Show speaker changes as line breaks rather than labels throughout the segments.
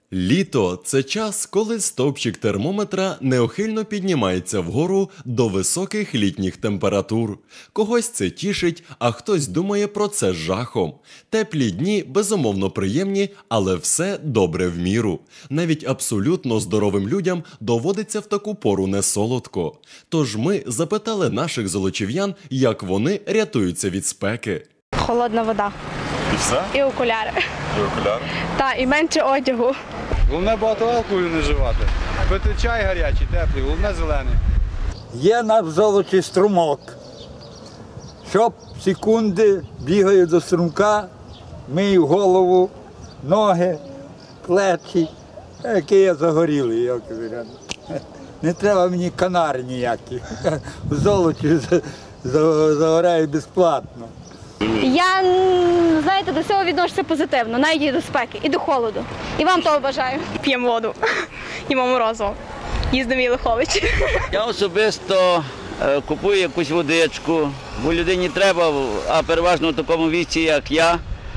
Літо – це час, коли стовпчик термометра неухильно піднімається вгору до високих літніх температур. Когось це тішить, а хтось думає про це з жахом. Теплі дні безумовно приємні, але все добре в міру. Навіть абсолютно здоровим людям доводиться в таку пору не солодко. Тож ми запитали наших золочів'ян, як вони рятуються від спеки.
Холодна вода.
І все?
І окуляри.
І окуляри?
Та, і менше одягу.
Головне багато алкоголю не вживати. Пити чай гарячий, теплий, головне зелений.
Є на Золочі струмок. Щоб секунди бігаю до струмка, мию голову, ноги, плечі. Який я загорілий, як говорять. Не треба мені канари ніякі. В Золочі загоряю безплатно.
Я, знаєте, до цього відношуся позитивно, навіть і до спеки, і до холоду. І вам того бажаю.
П'ємо воду, їмо морозиво, їздимо в Єлихович.
Я особисто купую якусь водичку, бо людині треба, а переважно в такому віці, як я,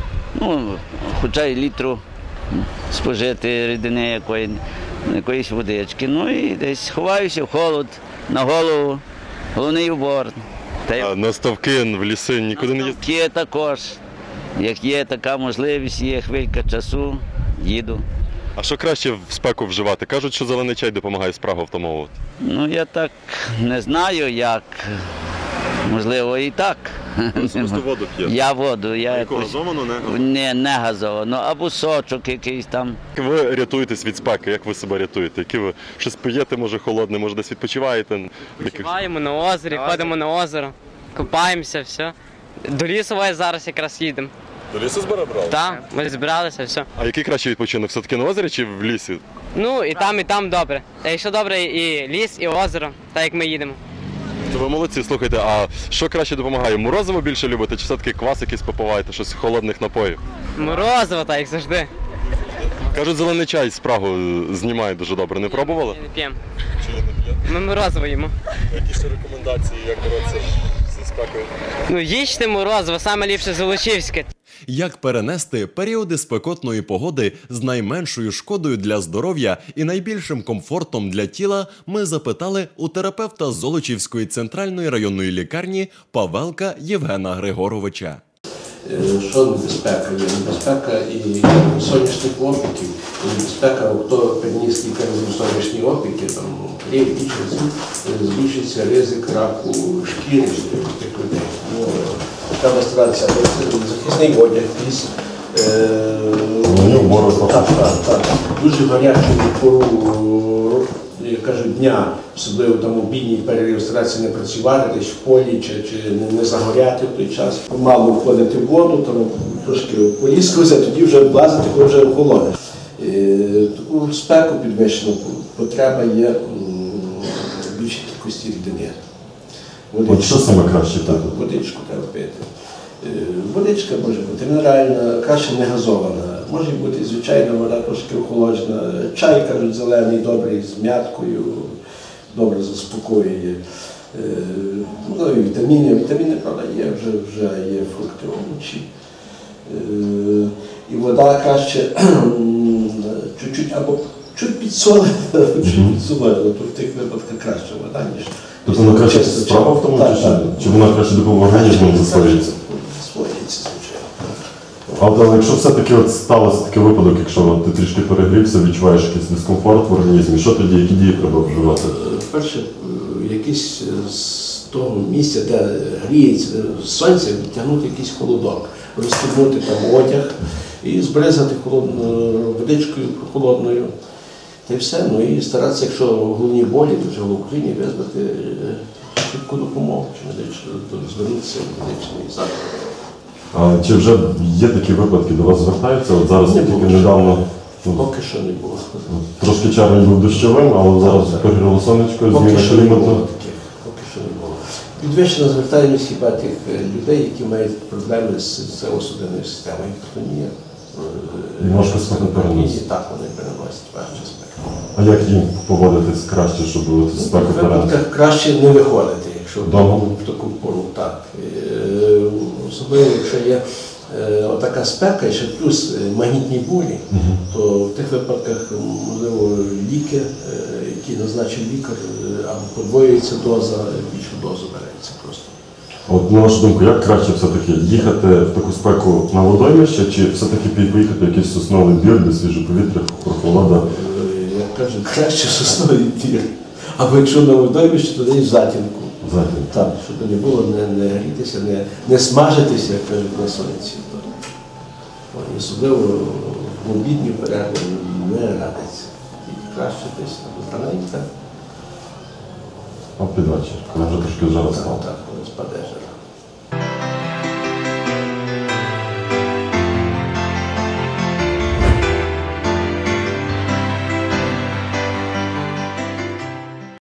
хоча й літру спожити рідини якоїсь водички. Ну і десь ховаюся в холод, на голову, головний убор.
А на ставки, в ліси нікуди не їздите?
Є також. Як є така можливість, є хвилька часу, їду.
А що краще в спеку вживати? Кажуть, що зелений чай допомагає спрагу втамовувати.
Я так не знаю, як. Можливо, і так.
Просто воду п'єте?
Я воду.
А яку, газовану, не?
Не газовану, або сочок якийсь там.
Як ви рятуєтесь від спеки? Як ви себе рятуєте? Які ви щось п'єте, може холодне, може десь відпочиваєте?
Відпочиваємо на озері, ходимо на озеро, купаємося, все. До лісу зараз якраз їдемо.
До лісу збирали?
Так, ми збиралися, все.
А який кращий відпочинок? Все-таки на озері чи в лісі?
І там добре. Якщо добре, і ліс, і озеро, так як ми їдемо.
То ви молодці, слухайте, а що краще допомагає? Морозиво більше любите, чи все-таки квас якийсь попиваєте, щось холодних напоїв?
Морозиво, так як завжди.
Кажуть, зелений чай спрагу знімає дуже добре. Не пробували?
Не п'ємо.
Чи не п'єте?
Ми морозиво їмо.
Які ще рекомендації, як боротися зі спекою?
Їжте морозиво, саме ліпше золочівське.
Як перенести періоди спекотної погоди з найменшою шкодою для здоров'я і найбільшим комфортом для тіла, ми запитали у терапевта Золочівської центральної районної лікарні Павелка Євгена Григоровича.
Що небезпека? Є небезпека і сонячних опіків, і небезпека, хто переніс кілька разів сонячні опіки, збільшиться ризик раку шкіри тих людей. Треба старатися захисний одяг, дуже гарячу пору, як кажуть, дня, особливо там обідній перерив, старатися не працювати десь в полі чи не загоряти в той час. Мало входити в воду, там трошки поліскуватися, тоді вже влазити, коли вже охолоне. Таку спеку підвищену потреба є в більшій кількості рідини.
От що саме краще пити?
Водичку треба пити. Водичка може бути мінеральна, краще не газована. Може бути звичайна вода, трошки охолоджена. Чай, кажуть, зелений, добрий, з м'яткою, добре заспокоює. І вітаміни. Вітаміни, правда, вже є фрукти, овочі. І вода краще чуть-чуть або чуть підсолена, то в тих випадках краще вода, ніж...
Тобто вона краще справа в тому, чи вона краще допомагає організму засвоюється?
Засвоюється, звичайно.
Але якщо все-таки сталося такий випадок, якщо ти трішки перегрівся, відчуваєш якийсь дискомфорт в організмі, що тоді, які дії треба вживати?
Перше, якийсь з того місця, де гріється сонце, відтягнути якийсь холодок, розстібнути там одяг і збризати водичкою холодною. Та й все. І старатися, якщо головні болі, то вже в Україні визвати швидку допомогу, звернутися в медичний заклад.
А чи вже є такі випадки, до вас звертаються? От зараз тільки недавно...
Поки що не було.
Трошки червень був дощовим, але зараз перегріло сонечко, зміна клімату.
Поки що не було. Підвищена звертаємость хіба тих людей, які мають проблеми з серцево-судинною системою, гіпертонія.
Важко спеку переносити.
Так, вони переносять важче спеку.
А як їм поводитись краще, щоб спеку переносити?
Краще не виходити, якщо в таку пору, так. Особливо, якщо є отака спека, і ще плюс магнітні бурі, то в тих випадках, можливо, ліки, які назначив лікар, або подвоюється доза, більшу дозу береться просто.
От, на вашу думку, як краще все-таки їхати в таку спеку на водоймище, чи все-таки поїхати в якийсь сосновий двір, де свіже повітря, прохолода?
Як кажуть, краще сосновий двір. Або якщо на водоймище, то десь в затінку. Так, щоб не було, не грітися, не смажитися, як кажуть, на сонці. І особливо в обідню перерву не радиться. І краще десь на вулиці.
А під вечір, коли вже трошки жара стала.
Так, коли спаде.